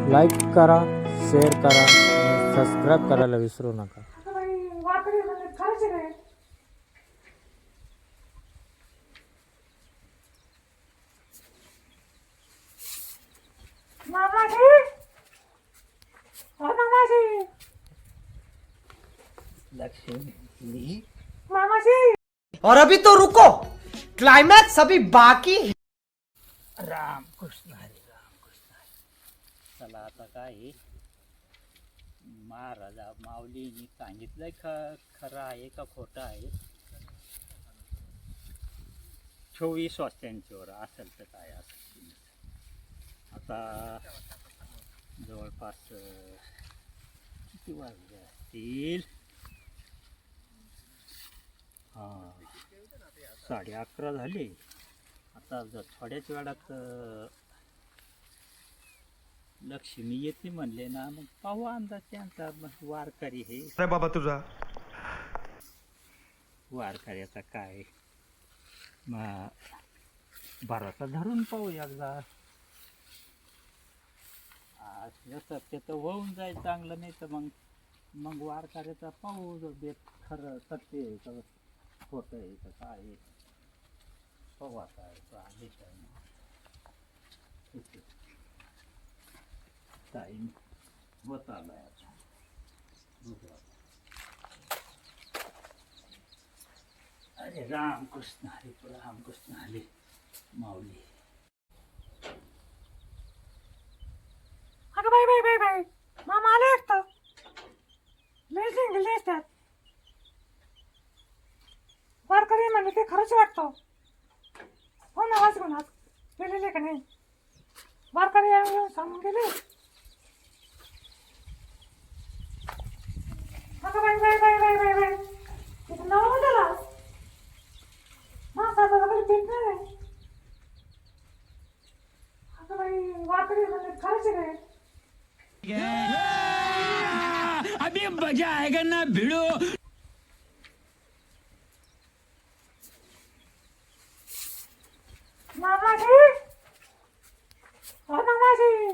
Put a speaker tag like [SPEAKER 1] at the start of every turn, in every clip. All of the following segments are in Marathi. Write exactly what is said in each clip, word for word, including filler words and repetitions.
[SPEAKER 1] लाईक करा, शेअर करा आणि सबस्क्राईब करायला विसरू नका.
[SPEAKER 2] लक्ष्मी
[SPEAKER 3] और अभी तो रुको, क्लाइमैक्स अभी बाकी है.
[SPEAKER 2] राम कृष्ण हरी राम कृष्ण हरी. चला आता काय महाराजा माऊलींनी सांगितलंय ख खरं आहे का खोटं आहे. चोवीस वाजत्यांच्यावर असेल तर काय असेल. आता जवळपास किती वाजले असतील. हां साडे अकरा झाले. आता जर थोड्याच वेळात लक्ष्मी येते म्हणले ना मग पाहू अंदाज त्यांचा. मग वारकरी हे
[SPEAKER 4] बाबा तुझा
[SPEAKER 2] वारकऱ्याचा काय मग भरोसा धरून पाहू एकदा. असलं सत्य तर होऊन जाईल चांगलं, नाही तर मग मग वारकऱ्याचा पाहू बेत खरं सत्य आहे का खोटं आहे का काय आहे. पाहू आता आले टाईम होत आलाय आता. अरे रामकृष्ण हरी रामकृष्ण हरी माऊली.
[SPEAKER 5] अगं बाई बाई बाई बाई मामा आले असतं लय जिंकले असतात. वारकरी म्हणले ते खरंच वाटतं. हो ना वाच गुणात गेलेले का नाही. वारकरी येऊन सांगून गेले. अगं बाई बाई बाई बाई बाई बाई तिथं नाव झाला मासा कधी पेट नाही. अगं बाई वारकरी म्हणले खरंच आहे.
[SPEAKER 2] अभी मजा आएगा ना भिड़ो.
[SPEAKER 5] मामाजी हो मामाजी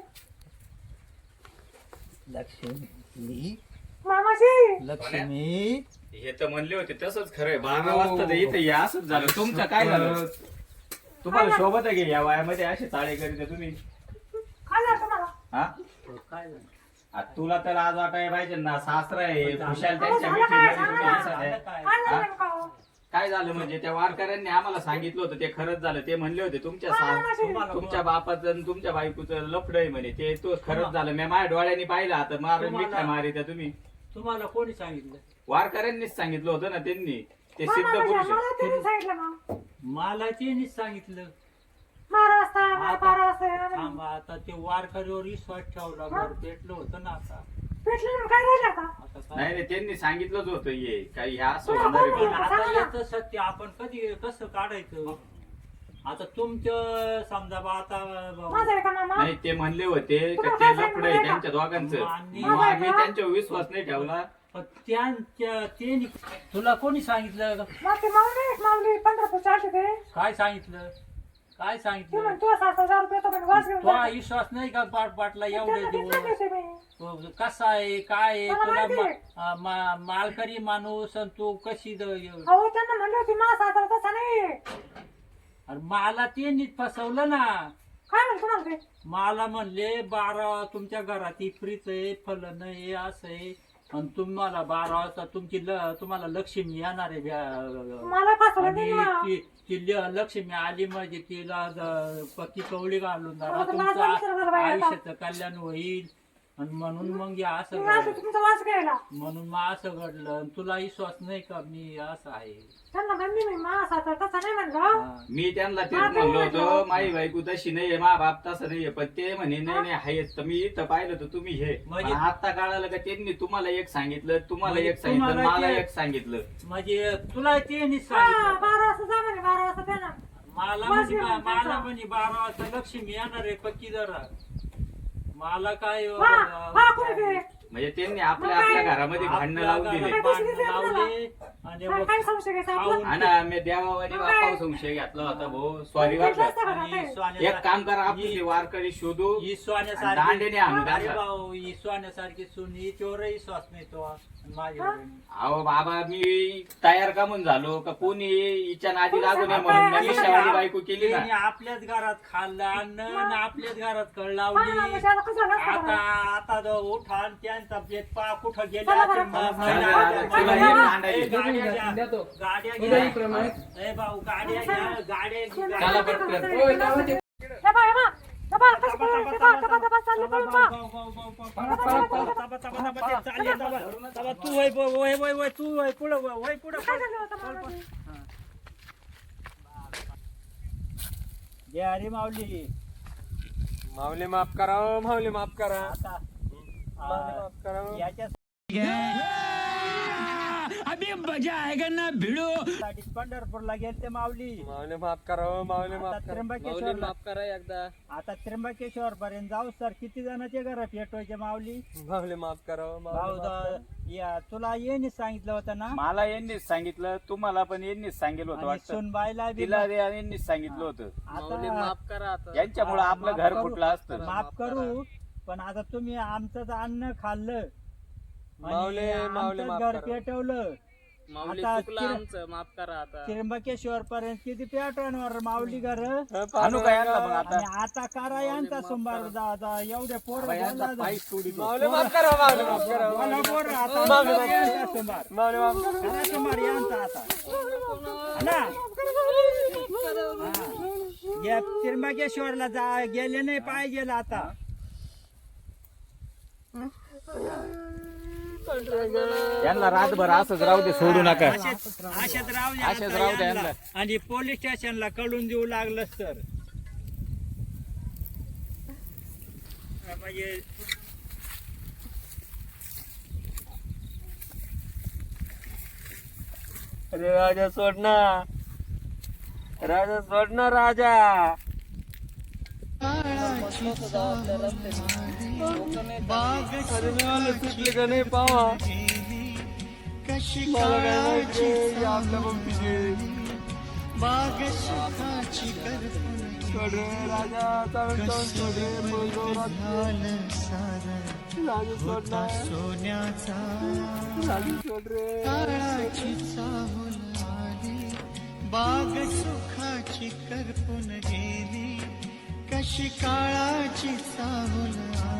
[SPEAKER 2] लक्ष्मी
[SPEAKER 5] मामाजी
[SPEAKER 2] लक्ष्मी
[SPEAKER 6] हे तर म्हणले होते तसंच खरंय. बारा वाजता तर इथे या असंच झालं. तुमचं काय झालं. तुम्हाला शोभत आहे की या वयामध्ये असे चाळे करीत तुम्ही.
[SPEAKER 5] काय झालं तुम्हाला.
[SPEAKER 6] हा
[SPEAKER 2] काय झालं.
[SPEAKER 6] आ, तुला तर आज वाटायला पाहिजे ना. सासरा आहे खुशाल
[SPEAKER 5] काय
[SPEAKER 6] त्यांच्या
[SPEAKER 5] झालं, काय
[SPEAKER 6] मिठीमध्ये तुम्ही
[SPEAKER 5] झालं?
[SPEAKER 6] असं आहे.
[SPEAKER 2] काय
[SPEAKER 5] काय झालं
[SPEAKER 6] हा?
[SPEAKER 5] नेमकं?
[SPEAKER 6] काय झालं म्हणजे त्या वारकऱ्यांनी आम्हाला सांगितलं होतं ते खरंच झालं. ते म्हणले होते तुमच्या सा- तुमच्या बापाचं आणि तुमच्या बायकोचं लफड आहे म्हणे. ते तो खरंच झालं. मी माझ्या डोळ्यांनी पाहिलं. आता मारून मिठ्या मारी त्या तुम्ही.
[SPEAKER 2] तुम्हाला कोणी सांगितलं.
[SPEAKER 6] वारकऱ्यांनीच सांगितलं होतं ना. त्यांनी ते
[SPEAKER 5] हा,
[SPEAKER 6] सिद्ध
[SPEAKER 5] मामाजी,
[SPEAKER 6] पुरुष आहे.
[SPEAKER 5] मला त्यांनी सांगितलं मग.
[SPEAKER 2] मला त्यांनीच सांगितलं.
[SPEAKER 5] बारा वाजता मला
[SPEAKER 2] आता-
[SPEAKER 5] बारा वाजता येणार.
[SPEAKER 2] थांबा आता ते वारकरीवर विश्वास ठेवला. घर पेटलं होतं ना आता.
[SPEAKER 5] भेटलं ना, काय राहिलं आता.
[SPEAKER 2] आता
[SPEAKER 6] नाही
[SPEAKER 2] काय
[SPEAKER 6] नाही त्यांनी सांगितलंच होतं ये काही ह्या असं
[SPEAKER 5] तुला
[SPEAKER 6] होणार आहे
[SPEAKER 5] कोण
[SPEAKER 6] म्हणून.
[SPEAKER 5] बोललं?
[SPEAKER 2] आता
[SPEAKER 5] सांगा ना.
[SPEAKER 2] याचं सत्य आपण कधी कसं काढायचं. आता तुमचं समजा बा आता
[SPEAKER 5] माझं आहे का मामा.
[SPEAKER 6] नाही ते म्हणले होते का
[SPEAKER 5] तुला
[SPEAKER 6] ते
[SPEAKER 5] काय
[SPEAKER 6] लफड आहे
[SPEAKER 5] सांगितलं
[SPEAKER 6] त्यांच्या दोघांचं.
[SPEAKER 2] आणि-
[SPEAKER 6] मग आम्ही त्यांच्यावर विश्वास नाही ठेवला.
[SPEAKER 2] पण त्यांच्या ते तुला कोणी सांगितलं.
[SPEAKER 5] मग ते माऊली माऊली पंढरपूरच्या आले ते.
[SPEAKER 2] काय सांगितलं. काय
[SPEAKER 5] ते
[SPEAKER 2] सांगितलं.
[SPEAKER 5] म्हणे तुला सात हजार रुपये तो म्हणे वाच घेऊन
[SPEAKER 2] तो
[SPEAKER 5] जा.
[SPEAKER 2] विश्वास नाही का पाट पाटला एवढे
[SPEAKER 5] त्यांना
[SPEAKER 2] दिवस
[SPEAKER 5] घेतलं ते मी.
[SPEAKER 2] तो कसा आहे काय आहे
[SPEAKER 5] मला
[SPEAKER 2] तुला
[SPEAKER 5] माहिती आहे.
[SPEAKER 2] मा- आ, मा- मालकरी माणूस आणि तू कशी द-
[SPEAKER 5] अहो त्यांना म्हणले होते मा सात हजार तसा नाही.
[SPEAKER 2] अरे मला ते नीट फसवलं ना.
[SPEAKER 5] काय म्हणतो तुम्हाला ते.
[SPEAKER 2] मला म्हणले बारा तुमच्या घरात फ्रीच आहे फलन आहे असं आहे आणि तुम्हाला बारा वाजता तुमची ल- तुम्हाला लक्ष्मी येणार आहे भ्या-
[SPEAKER 5] मला फसवलं
[SPEAKER 2] आणि
[SPEAKER 5] त्यांनी मला.
[SPEAKER 2] ती ती ल- लक्ष्मी आली म्हणजे तिला ज- पक्की कवळी घालून
[SPEAKER 5] अहो,
[SPEAKER 2] जरा
[SPEAKER 5] तर
[SPEAKER 2] तुमचं
[SPEAKER 5] माझा विचार करा बाई आता.
[SPEAKER 2] आयुष्याचं कल्याण होईल आणि म्हणून मग हे असं
[SPEAKER 5] मी असं
[SPEAKER 2] घडलं.
[SPEAKER 5] तुमचा वाच घ्यायला.
[SPEAKER 2] म्हणून मग असं घडलं आणि तुला विश्वास नाही का मी असं आहे.
[SPEAKER 5] त्यांना म्हणली मी मा सात हजार तसा नाही म्हणलं.
[SPEAKER 2] हा.
[SPEAKER 6] मी त्यांना तेच
[SPEAKER 5] हा, ते
[SPEAKER 6] म्हणलो
[SPEAKER 5] म्हटलं.
[SPEAKER 6] होतो माई बायको तशी नाहीये मा बाप तसं नाहीये. पण ते म्हणे नाही नाही आहेच. तर मी इथं पाहिलं तर तुम्ही हे
[SPEAKER 2] म्हणजे-
[SPEAKER 6] पण आता कळालं का त्यांनी तुम्हाला एक सांगितलं तुम्हाला
[SPEAKER 2] म्हणजे
[SPEAKER 6] एक सांगितलं
[SPEAKER 2] तुम्हाला
[SPEAKER 6] मला
[SPEAKER 2] ते-
[SPEAKER 6] एक सांगितलं.
[SPEAKER 2] म्हणजे तुला ते नीट
[SPEAKER 5] हा
[SPEAKER 2] सांगितलं.
[SPEAKER 5] बारा वाजता जा म्हणे बारा वाजता त्या ना.
[SPEAKER 2] मला
[SPEAKER 5] बस
[SPEAKER 2] म्हणजे
[SPEAKER 5] एवढं
[SPEAKER 2] मला
[SPEAKER 5] त्यांचं.
[SPEAKER 2] म्हणजे बारा वाजता लक्ष्मी येणार आहे पक्की जरा. मला काय
[SPEAKER 5] हा हा कोणी ते.
[SPEAKER 6] म्हणजे त्यांनी आपल्या आपल्या घरामध्ये भांडणं लावून दिले.
[SPEAKER 2] भांडणं लावले आणि
[SPEAKER 5] काय काय संशय घ्यायचा आपला?
[SPEAKER 2] खाऊन-
[SPEAKER 6] हा ना मी देवावानी बापावर संशय घेतला होता भाऊ सॉरी वाटलं
[SPEAKER 2] आणि सोन्या-
[SPEAKER 6] एक काम करा आपली ती वारकरी शोधू
[SPEAKER 2] ही
[SPEAKER 6] आणि
[SPEAKER 2] सोन्यासारखी
[SPEAKER 6] दांडेने आणू
[SPEAKER 2] अरे
[SPEAKER 6] त्यांना.
[SPEAKER 2] भाऊ ही सोन्यासारखी सून हिच्यावरही श्वास मिळतो माझ्या
[SPEAKER 6] अहो बाबा मी तयार का म्हणून झालो का कोणी हिच्या नादी लागू नये म्हणून मी मिशावाली बायको केली ना.
[SPEAKER 2] तिने आपल्याच घरात खाल्लं अन्न आणि आपल्याच घरात कळ
[SPEAKER 5] हा,
[SPEAKER 2] लावली
[SPEAKER 5] म्हणजे आता कसं झालं असतं
[SPEAKER 2] आता
[SPEAKER 5] बरं?
[SPEAKER 2] आता जो उठा आणि त्यांचा बेत पा कुठं गेले
[SPEAKER 5] चला बरं.
[SPEAKER 2] ते म-
[SPEAKER 6] चला,
[SPEAKER 2] महिना-
[SPEAKER 6] चला, चला,
[SPEAKER 2] ए,
[SPEAKER 6] एक भांडायची.
[SPEAKER 2] गाड्या घ्या. गाड्या घ्या. ए भाऊ गाड्या घ्या गाड्या
[SPEAKER 6] चला पटकन.
[SPEAKER 5] हे बा, हे बा, हे बा, कसं पळून, हे बा, दबा, दबा, चालले पळून पळा.
[SPEAKER 2] तू वय वय वय वय तू वय पुढं वय वय पुढं
[SPEAKER 5] काय झालं होतं मला?
[SPEAKER 2] घे अरे माऊली
[SPEAKER 4] माऊली माफ करा हो, माऊली माफ करा
[SPEAKER 2] आता
[SPEAKER 4] माऊली माफ करा हो.
[SPEAKER 2] याच्या साठी पंढरपूरला गेलते माऊली
[SPEAKER 4] माऊली माफ करा हो, माऊली
[SPEAKER 2] आता
[SPEAKER 4] माफ करा
[SPEAKER 2] त्र्यंबकेश्वर
[SPEAKER 4] माफ करा एकदा
[SPEAKER 2] आता त्र्यंबकेश्वर पर्यंत जाऊ सर किती जणांचे घर पेटवायचे माऊली
[SPEAKER 4] माऊली माफ करा हो,
[SPEAKER 2] भाऊ
[SPEAKER 4] माऊली माफ करा.
[SPEAKER 2] द- या तुला येणे सांगितलं होतं ना
[SPEAKER 6] मला यांनीच सांगितलं तुम्हाला पण यांनीच सांगितलं होतं
[SPEAKER 2] आणि
[SPEAKER 6] वाटतं
[SPEAKER 2] सुनबाईला बी
[SPEAKER 6] तिला ते यांनीच सांगितलं होतं
[SPEAKER 4] माऊली
[SPEAKER 2] आता
[SPEAKER 4] माफ करा आता
[SPEAKER 6] यांच्यामुळे आपलं
[SPEAKER 2] माफ
[SPEAKER 6] घर
[SPEAKER 2] करू.
[SPEAKER 6] फुटलं असतं
[SPEAKER 2] माफ करू पण आता तुम्ही आमचं अन्न खाल्लं आणि
[SPEAKER 4] माऊली माऊली
[SPEAKER 2] आमचं
[SPEAKER 4] माफ
[SPEAKER 2] घर
[SPEAKER 4] करा
[SPEAKER 2] पेटवलं
[SPEAKER 4] माऊली
[SPEAKER 2] आता
[SPEAKER 4] चुकलं
[SPEAKER 2] तिर-
[SPEAKER 4] आमचं माफ करा आता
[SPEAKER 2] त्र्यंबकेश्वर पर्यंत किती पेटवणार माऊली घर
[SPEAKER 4] हं,
[SPEAKER 6] आणू काय यांना मग
[SPEAKER 2] आणि
[SPEAKER 6] आता
[SPEAKER 2] आता करा यांचा सोमवार जा- जा- एवढे पोर
[SPEAKER 6] यांचा पाय सोडितो.
[SPEAKER 4] माऊली माफ करा माऊली माफ करा
[SPEAKER 2] बोला पोर आता
[SPEAKER 4] माऊली माफ
[SPEAKER 2] यांचा
[SPEAKER 4] करा
[SPEAKER 2] सोमवार
[SPEAKER 4] माऊली माफ करा
[SPEAKER 2] करा सोमवार यांचा आता ना हा. या त्र्यंबकेश्वरला जा गेले नाही पाहिजे आता
[SPEAKER 6] यांना रातभर असंच राहू दे सोडू नका
[SPEAKER 2] अशाच अशाच राहू द्या
[SPEAKER 6] अशाच
[SPEAKER 2] आता
[SPEAKER 6] राहू द्या
[SPEAKER 2] यांना.
[SPEAKER 6] यांना.
[SPEAKER 2] आणि पोलीस स्टेशनला कळून देऊ लागलं तर म्हणजे
[SPEAKER 4] अरे राजा सोड ना राजा सोड ना राजा अरे मी मला सुटले का नाही पावा मला काय माहिती रे, आपल्या पंपीचे सोड रे राजा चालून चालून सोड रे बोललो राजा सोड ना राजा सोड रे
[SPEAKER 7] बाग सुखाची करपून गेली कशी काळाची चाहूल